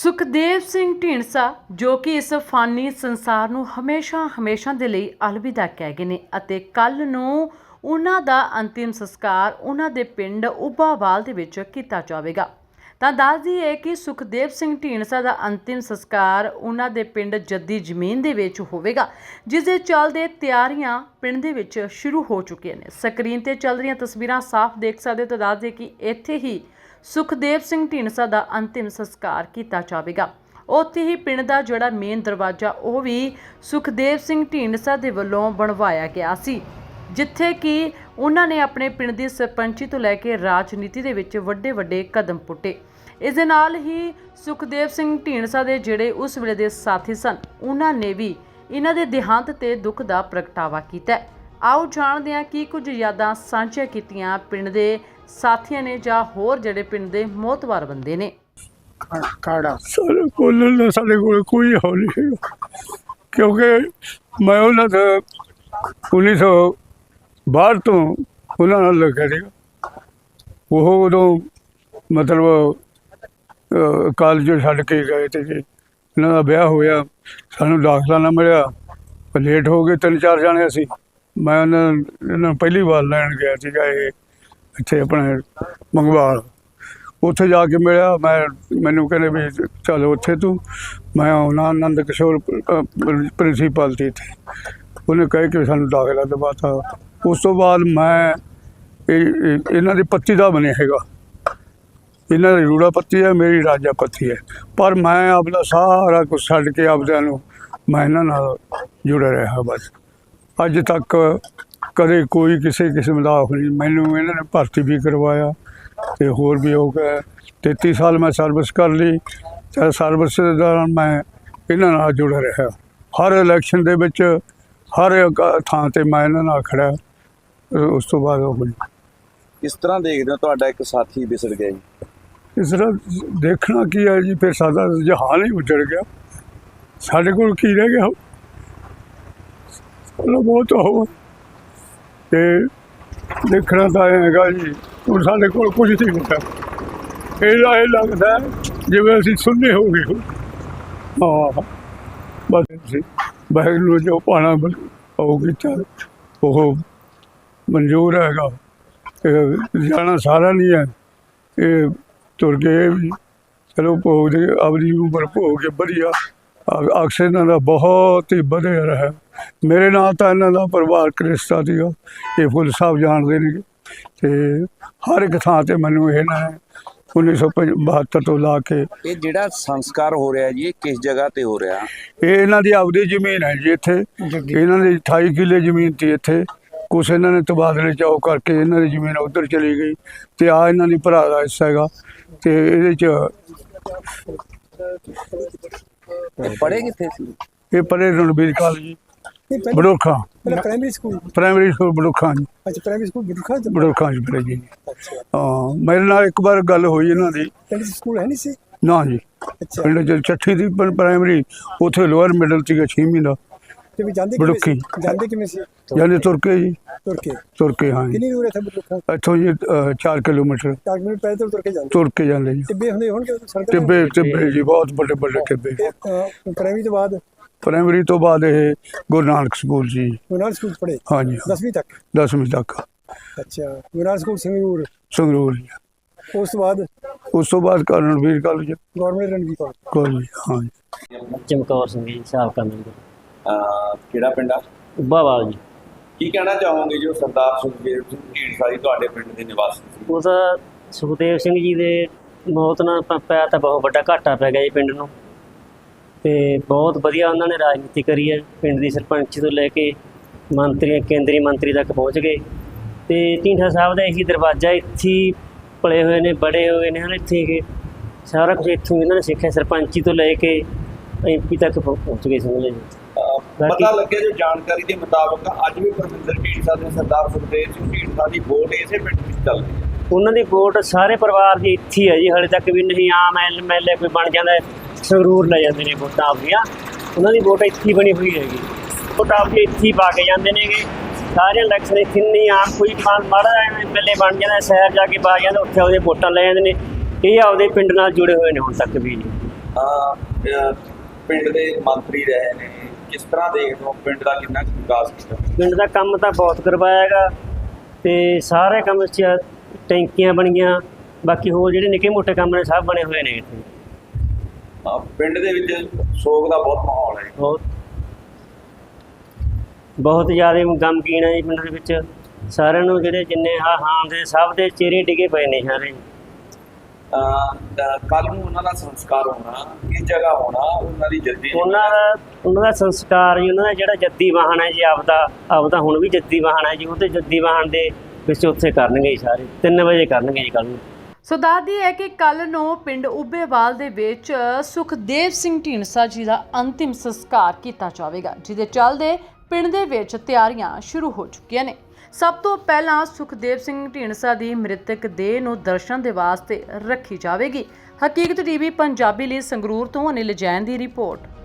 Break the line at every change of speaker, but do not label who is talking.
ਸੁਖਦੇਵ ਸਿੰਘ ਢੀਂਡਸਾ ਜੋ ਕਿ ਇਸ ਫਾਨੀ ਸੰਸਾਰ ਨੂੰ ਹਮੇਸ਼ਾ ਦੇ ਲਈ ਅਲਵਿਦਾ ਕਹਿ ਗਏ ਨੇ ਅਤੇ ਕੱਲ ਨੂੰ ਉਹਨਾਂ ਦਾ ਅੰਤਿਮ ਸੰਸਕਾਰ ਉਹਨਾਂ ਦੇ ਪਿੰਡ ਉੱਭਾਵਾਲ ਦੇ ਵਿੱਚ ਕੀਤਾ ਜਾਵੇਗਾ। ਤਾਂ ਦੱਸ ਦਈਏ ਕਿ ਸੁਖਦੇਵ ਸਿੰਘ ਢੀਂਡਸਾ ਦਾ ਅੰਤਿਮ ਸੰਸਕਾਰ ਉਹਨਾਂ ਦੇ ਪਿੰਡ ਜੱਦੀ ਜ਼ਮੀਨ ਦੇ ਵਿੱਚ ਹੋਵੇਗਾ, ਜਿਸ ਦੇ ਚੱਲਦੇ ਤਿਆਰੀਆਂ ਪਿੰਡ ਦੇ ਵਿੱਚ ਸ਼ੁਰੂ ਹੋ ਚੁੱਕੀਆਂ ਨੇ। ਸਕਰੀਨ ਤੇ ਚੱਲ ਰਹੀਆਂ ਤਸਵੀਰਾਂ ਸਾਫ਼ ਦੇਖ ਸਕਦੇ ਹੋ। ਤਾਂ ਦੱਸ ਦਈਏ ਕਿ ਇੱਥੇ ਹੀ ਸੁਖਦੇਵ ਸਿੰਘ ਢੀਂਡਸਾ ਦਾ ਅੰਤਿਮ ਸੰਸਕਾਰ ਕੀਤਾ ਜਾਵੇਗਾ। ਉੱਥੇ ਹੀ ਪਿੰਡ ਦਾ ਜਿਹੜਾ ਮੇਨ ਦਰਵਾਜ਼ਾ ਉਹ ਵੀ ਸੁਖਦੇਵ ਸਿੰਘ ਢੀਂਡਸਾ ਦੇ ਵੱਲੋਂ ਬਣਵਾਇਆ ਗਿਆ ਸੀ, ਜਿੱਥੇ ਕਿ ਉਹਨਾਂ ਨੇ ਆਪਣੇ ਪਿੰਡ ਦੀ ਸਰਪੰਚੀ ਤੋਂ ਲੈ ਕੇ ਰਾਜਨੀਤੀ ਦੇ ਵਿੱਚ ਵੱਡੇ ਕਦਮ ਪੁੱਟੇ। ਇਸ ਦੇ ਨਾਲ ਹੀ ਸੁਖਦੇਵ ਸਿੰਘ ਢੀਂਡਸਾ ਦੇ ਜਿਹੜੇ ਉਸ ਵੇਲੇ ਦੇ ਸਾਥੀ ਸਨ, ਉਹਨਾਂ ਨੇ ਵੀ ਇਹਨਾਂ ਦੇ ਦੇਹਾਂਤ ਤੇ ਦੁੱਖ ਦਾ ਪ੍ਰਗਟਾਵਾ ਕੀਤਾ। ਆਓ ਜਾਣਦੇ ਹਾਂ ਕੀ ਕੁਝ ਯਾਦਾਂ ਸਾਂਝੀਆਂ ਕੀਤੀਆਂ ਪਿੰਡ ਦੇ ਸਾਥੀਆਂ ਨੇ ਜਾਂ ਹੋਰ ਜਿਹੜੇ ਪਿੰਡ ਦੇ ਮੋਹਤਵਾਰ ਬੰਦੇ ਨੇ।
ਕਾੜਾ ਸਾਡੇ ਕੋਲ ਕੋਈ ਹੌਲ ਨਹੀਂ ਹੈਗਾ, ਕਿਉਂਕਿ ਮੈਂ ਉਹਨਾਂ ਦਾ 1962 ਤੋਂ ਉਹਨਾਂ ਨਾਲ ਲੱਗਿਆ ਸੀਗਾ। ਉਹ ਉਦੋਂ ਮਤਲਬ ਕਾਲਜ ਛੱਡ ਕੇ ਗਏ ਤੇ ਜੀ ਇਹਨਾਂ ਦਾ ਵਿਆਹ ਹੋਇਆ, ਸਾਨੂੰ ਦਾਖਲਾ ਨਾ ਮਿਲਿਆ, ਲੇਟ ਹੋ ਗਏ 3-4 ਜਾਣੇ ਅਸੀਂ। ਮੈਂ ਇਹਨਾਂ ਨੂੰ ਪਹਿਲੀ ਵਾਰ ਲੈਣ ਗਿਆ ਸੀਗਾ ਇਹ ਇੱਥੇ ਆਪਣੇ ਮੰਗਵਾਲ। ਉੱਥੇ ਜਾ ਕੇ ਮਿਲਿਆ, ਮੈਨੂੰ ਕਹਿੰਦੇ ਵੀ ਚੱਲ ਉੱਥੇ ਤੂੰ। ਮੈਂ ਆਉਣਾ ਆਨੰਦ ਕਿਸ਼ੋਰ ਪ੍ਰਿੰਸੀਪਲ ਸੀ ਇੱਥੇ, ਉਹਨੇ ਕਹਿ ਕੇ ਸਾਨੂੰ ਦਾਖਲਾ ਦਵਾਤਾ। ਉਸ ਤੋਂ ਬਾਅਦ ਮੈਂ ਇਹਨਾਂ ਦੀ ਪੱਤੀ ਦਾ ਬਣਿਆ ਹੈਗਾ, ਇਹਨਾਂ ਦੀ ਰੂੜਾ ਪੱਤੀ ਹੈ, ਮੇਰੀ ਰਾਜਾ ਪੱਤੀ ਹੈ। ਪਰ ਮੈਂ ਆਪਣਾ ਸਾਰਾ ਕੁਛ ਛੱਡ ਕੇ ਆਪਦਿਆਂ ਨੂੰ ਮੈਂ ਇਹਨਾਂ ਨਾਲ ਜੁੜਿਆ ਰਿਹਾ। ਬਸ ਅੱਜ ਤੱਕ ਕਦੇ ਕੋਈ ਕਿਸੇ ਕਿਸਮ ਦਾ ਨਹੀਂ। ਮੈਨੂੰ ਇਹਨਾਂ ਨੇ ਭਰਤੀ ਵੀ ਕਰਵਾਇਆ ਅਤੇ ਹੋਰ ਵੀ ਹੋ ਗਿਆ। 33 ਸਾਲ ਮੈਂ ਸਰਵਿਸ ਕਰ ਲਈ। ਚਾਹੇ ਸਰਵਿਸ ਦੇ ਦੌਰਾਨ ਮੈਂ ਇਹਨਾਂ ਨਾਲ ਜੁੜਿਆ ਰਿਹਾ। ਹਰ ਇਲੈਕਸ਼ਨ ਦੇ ਵਿੱਚ ਹਰ ਥਾਂ 'ਤੇ ਮੈਂ ਇਹਨਾਂ ਨਾਲ ਖੜ੍ਹਾ। ਉਸ ਤੋਂ ਬਾਅਦ ਉਹ
ਇਸ ਤਰ੍ਹਾਂ ਦੇਖਦੇ ਹੋ ਤੁਹਾਡਾ ਇੱਕ ਸਾਥੀ ਵਿਸੜ ਗਿਆ ਜੀ।
ਇਸ ਤਰ੍ਹਾਂ ਦੇਖਣਾ ਕੀ ਹੈ ਜੀ, ਫਿਰ ਸਾਡਾ ਜਹਾਨ ਹੀ ਉੱਜੜ ਗਿਆ। ਸਾਡੇ ਕੋਲ ਕੀ ਰਹਿ ਗਿਆ? ਬਹੁਤ ਹੋ ਤੇ ਦੇਖਣਾ ਤਾਂ ਹੈਗਾ ਜੀ। ਹੁਣ ਸਾਡੇ ਕੋਲ ਕੁਝ ਨਹੀਂ ਹੁੰਦਾ। ਇਹ ਲੱਗਦਾ ਜਿਵੇਂ ਅਸੀਂ ਸੁੰਨੇ ਹੋ ਗਏ। ਹਾਂ ਬਸ ਅਸੀਂ ਵਾਹਿਗੁਰੂ ਜੋ ਪਾਣਾ ਉਹ ਕੀਤਾ ਉਹ ਮਨਜ਼ੂਰ ਹੈਗਾ। ਜਾਣਾ ਸਾਰਾ ਨਹੀਂ ਹੈ, ਇਹ ਤੁਰ ਗਏ ਵੀ ਚਲੋ ਭੋਗ ਦੇ ਆਪਣੀ ਉਮਰ ਭੋਗ ਕੇ ਵਧੀਆ। ਅਕਸਰ ਇਹਨਾਂ ਦਾ ਬਹੁਤ ਹੀ ਵਧੀਆ ਰਿਹਾ। ਮੇਰੇ ਨਾਲ ਤਾਂ ਇਹਨਾਂ ਦਾ ਪਰਿਵਾਰਕ ਰਿਸ਼ਤਾ ਸੀਗਾ, ਇਹ ਫੁੱਲ ਸਾਹਿਬ ਜਾਣਦੇ ਨੇ। ਅਤੇ ਹਰ ਇੱਕ ਥਾਂ 'ਤੇ ਮੈਨੂੰ ਇਹਨਾਂ ਨੇ 1972 ਤੋਂ ਲਾ ਕੇ।
ਇਹ ਜਿਹੜਾ ਸੰਸਕਾਰ ਹੋ ਰਿਹਾ ਜੀ, ਇਹ ਕਿਸ ਜਗ੍ਹਾ 'ਤੇ ਹੋ ਰਿਹਾ?
ਇਹ ਇਹਨਾਂ ਦੀ ਆਪਦੀ ਜ਼ਮੀਨ ਹੈ ਜੀ। ਇੱਥੇ ਇਹਨਾਂ ਦੀ 28 ਕਿੱਲੇ ਜ਼ਮੀਨ ਸੀ। ਇੱਥੇ ਕੁਛ ਇਹਨਾਂ ਨੇ ਤਬਾਦਲੇ ਚਾਓ ਕਰਕੇ ਇਹਨਾਂ ਦੀ ਜ਼ਮੀਨ ਉੱਧਰ ਚਲੀ ਗਈ ਅਤੇ ਆਹ ਇਹਨਾਂ ਦੀ ਭਰਾ ਦਾ ਹਿੱਸਾ ਹੈਗਾ। ਅਤੇ ਇਹਦੇ 'ਚ
ਪੜ੍ਹੇ ਕਿੱਥੇ ਸੀ
ਇਹ? ਪੜ੍ਹੇ Ranbir college Badokha primary school Badokha ਜੀ।
ਅੱਛਾ, ਪ੍ਰਾਇਮਰੀ ਸਕੂਲ
ਬਡੋਖਾ ਜੀ ਪੜ੍ਹੇ ਜੀ। ਹਾਂ, ਮੇਰੇ ਨਾਲ ਇੱਕ ਵਾਰ ਗੱਲ ਹੋਈ ਇਹਨਾਂ ਦੀ।
ਸਕੂਲ ਹੈ ਨਹੀਂ ਸੀ
ਨਾ ਜੀ। ਪਿੰਡ 'ਚ ਚੱਠੀ ਦੀ ਪ੍ਰਾਇਮਰੀ, ਉੱਥੇ ਲੋਅਰ ਮਿਡਲ ਸੀਗਾ 6ਵੀਂ ਦਾ ਬਡੋਖੀ। ਜਾਂਦੇ ਤੁਰ ਕੇ ਜੀ, ਤੁਰ ਕੇ। ਹਾਂ,
ਕਿੰਨੀ ਦੂਰ ਹੈ
ਇੱਥੋਂ ਜੀ 4 ਕਿਲੋਮੀਟਰ ਤੁਰ ਕੇ ਜਾਂਦੇ ਜੀ। ਟਿੱਬੇ ਜੀ, ਬਹੁਤ ਵੱਡੇ ਟਿੱਬੇ। ਪ੍ਰਾਇਮਰੀ ਤੋਂ ਬਾਅਦ ਇਹ ਗੁਰੂ ਨਾਨਕ ਸਕੂਲ ਜੀ।
ਗੁਰੂ ਨਾਨਕ ਸਕੂਲ ਪੜ੍ਹੇ? ਹਾਂਜੀ,
10ਵੀਂ ਤੱਕ।
ਅੱਛਾ, ਗੁਰੂ ਨਾਨਕ ਸਕੂਲ
ਸੰਗਰੂਰ ਜੀ। ਉਸ ਤੋਂ ਬਾਅਦ Ranbir college,
government Ranbir college.
ਹਾਂਜੀ।
ਚਮਕੌਰ ਸਿੰਘ ਜੀ, ਸਾਬਕਾ ਮੈਂਬਰ।
ਕਿਹੜਾ ਪਿੰਡ ਆ?
ਉੱਭਾਵਾਲ ਜੀ।
ਕੀ ਕਹਿਣਾ ਚਾਹੋਗੇ ਜੋ ਸਰਦਾਰ ਸੁਖਦੇਵ ਸਿੰਘ ਢੀਂਡਸਾ ਜੀ ਤੁਹਾਡੇ ਪਿੰਡ ਦੇ ਨਿਵਾਸੀ ਸੀ?
ਉਹ ਤਾਂ ਸੁਖਦੇਵ ਸਿੰਘ ਜੀ ਦੇ ਮੌਤ ਨਾਲ ਪਿਆ ਤਾਂ ਬਹੁਤ ਵੱਡਾ ਘਾਟਾ ਪੈ ਗਿਆ ਜੀ ਪਿੰਡ ਨੂੰ। ਅਤੇ ਬਹੁਤ ਵਧੀਆ ਉਹਨਾਂ ਨੇ ਰਾਜਨੀਤੀ ਕਰੀ ਹੈ। ਪਿੰਡ ਦੀ ਸਰਪੰਚ ਤੋਂ ਲੈ ਕੇ ਕੇਂਦਰੀ ਮੰਤਰੀ ਤੱਕ ਪਹੁੰਚ ਗਏ। ਅਤੇ ਢੀਂਡਸਾ ਸਾਹਿਬ ਦਾ ਇਹੀ ਦਰਵਾਜ਼ਾ, ਇੱਥੇ ਹੀ ਪਲੇ ਹੋਏ ਨੇ, ਬੜੇ ਹੋਏ ਨੇ ਹਨ। ਇੱਥੇ ਸਾਰਾ ਕੁਛ ਇੱਥੋਂ ਇਹਨਾਂ ਨੇ ਸਿੱਖਿਆ, ਸਰਪੰਚੀ ਤੋਂ ਲੈ ਕੇ MP ਤੱਕ ਪਹੁੰਚ ਗਏ ਸਮਝ ਜੀ।
ਪਤਾ ਲੱਗਿਆ ਜੋ ਜਾਣਕਾਰੀ ਦੇ ਮੁਤਾਬਕ ਅੱਜ ਵੀ ਪਰਮਿੰਦਰ ਢੀਂਡਸਾ ਤੇ ਸਰਦਾਰ ਸੁਖਦੇਵ ਸਿੰਘ ਢੀਂਡਸਾ ਦੀ ਵੋਟ ਇਸੇ ਪਿੰਡ ਵਿੱਚ ਚੱਲਦੀ ਹੈ।
ਉਹਨਾਂ ਦੀ ਵੋਟ ਸਾਰੇ ਪਰਿਵਾਰ ਦੀ ਇੱਥੇ ਹੈ ਜੀ। ਹਾਲੇ ਤੱਕ ਵੀ ਨਹੀਂ ਆਮ MLA ਕੋਈ ਬਣ ਜਾਂਦਾ ਸੰਗਰੂਰ ਲੈ ਜਾਂਦੇ ਨੇ ਵੋਟਾਂ ਆਪਣੀਆਂ। ਉਹਨਾਂ ਦੀ ਵੋਟ ਇੱਥੇ ਹੀ ਬਣੀ ਹੋਈ ਹੈਗੀ। ਵੋਟ ਆਪਣੀ ਇੱਥੇ ਹੀ ਪਾ ਕੇ ਜਾਂਦੇ ਨੇਗੇ। ਸਾਰੇ ਇਲੈਕਸ਼ਨ ਇੱਥੇ ਨਹੀਂ, ਆਮ ਕੋਈ ਮਾੜਾ MLA ਬਣ ਜਾਂਦਾ ਸ਼ਹਿਰ ਜਾ ਕੇ ਪਾ ਜਾਂਦਾ, ਉੱਥੇ ਉਹਦੇ ਵੋਟਾਂ ਲੈ ਜਾਂਦੇ ਨੇ। ਇਹ ਆਪਦੇ ਪਿੰਡ ਨਾਲ ਜੁੜੇ ਹੋਏ ਨੇ ਹੁਣ ਤੱਕ ਵੀ ਨਹੀਂ।
ਪਿੰਡ ਦੇ ਮੰਤਰੀ ਰਹੇ ਨੇ, ਕਿਸ ਤਰ੍ਹਾਂ ਦੇਖਦੇ ਹੋ ਪਿੰਡ ਦਾ ਕਿੰਨਾ ਕੁ ਵਿਕਾਸ ਕੀਤਾ?
ਪਿੰਡ ਦਾ ਕੰਮ ਤਾਂ ਬਹੁਤ ਕਰਵਾਇਆ ਹੈਗਾ ਤੇ ਸਾਰੇ ਕੰਮ 'ਚ ਟੈਂਕੀਆਂ ਬਣੀਆਂ, ਬਾਕੀ ਹੋਰ ਜਿਹੜੇ ਨਿੱਕੇ ਮੋਟੇ ਕੰਮ ਨੇ ਸਭ ਬਣੇ ਹੋਏ ਨੇ ਇੱਥੇ।
ਪਿੰਡ ਦੇ ਵਿੱਚ ਸੋਗ ਦਾ ਬਹੁਤ ਮਾਹੌਲ ਹੈ।
ਬਹੁਤ ਜ਼ਿਆਦਾ ਗਮਗੀਨ ਹੈ ਜੀ ਪਿੰਡ ਦੇ ਵਿੱਚ। ਸਾਰਿਆਂ ਨੂੰ ਜਿਹੜੇ ਜਿੰਨੇ ਹਾਂ ਦੇ ਸਭ ਦੇ ਚਿਹਰੇ ਡਿੱਗੇ ਪਏ ਨੇ ਸਾਰੇ।
ਕੱਲ ਨੂੰ ਉਹਨਾਂ ਦਾ ਸੰਸਕਾਰ ਹੋਣਾ, ਕਿਸ ਜਗ੍ਹਾ ਹੋਣਾ, ਉਹਨਾਂ ਦੀ ਜੱਦੀ
ਉਹਨਾਂ ਦਾ ਸੰਸਕਾਰ ਜੀ, ਉਹਨਾਂ ਦਾ ਜਿਹੜਾ ਜੱਦੀ ਵਾਹਨ ਹੈ ਜੀ, ਆਪਦਾ ਹੁਣ ਵੀ ਜੱਦੀ ਵਾਹਨ ਹੈ ਜੀ, ਉਹਦੇ ਜੱਦੀ ਵਾਹਨ ਦੇ ਵਿੱਚ ਉੱਥੇ ਕਰਨਗੇ ਜੀ ਸਾਰੇ 3 ਵਜੇ ਕਰਨਗੇ ਜੀ ਕੱਲ ਨੂੰ।
ਸੋ ਦੱਸਦੀ ਹੈ ਕਿ ਕੱਲ ਨੂੰ ਪਿੰਡ ਉੱਬੇਵਾਲ ਦੇ ਵਿੱਚ ਸੁਖਦੇਵ ਸਿੰਘ ਢੀਂਡਸਾ ਜੀ ਦਾ ਅੰਤਿਮ ਸੰਸਕਾਰ ਕੀਤਾ ਜਾਵੇਗਾ, ਜਿਹਦੇ ਚੱਲਦੇ ਪਿੰਡ ਦੇ ਵਿੱਚ ਤਿਆਰੀਆਂ ਸ਼ੁਰੂ ਹੋ ਚੁੱਕੀਆਂ ਨੇ। ਸਭ ਤੋਂ ਪਹਿਲਾਂ ਸੁਖਦੇਵ ਸਿੰਘ ਢੀਂਡਸਾ ਦੀ ਮ੍ਰਿਤਕ ਦੇਹ ਨੂੰ ਦਰਸ਼ਨ ਦੇ ਵਾਸਤੇ ਰੱਖੀ ਜਾਵੇਗੀ। ਹਕੀਕਤ ਟੀਵੀ ਪੰਜਾਬੀ ਲਈ ਸੰਗਰੂਰ ਤੋਂ ਅਨਿਲ ਜੈਨ ਦੀ ਰਿਪੋਰਟ।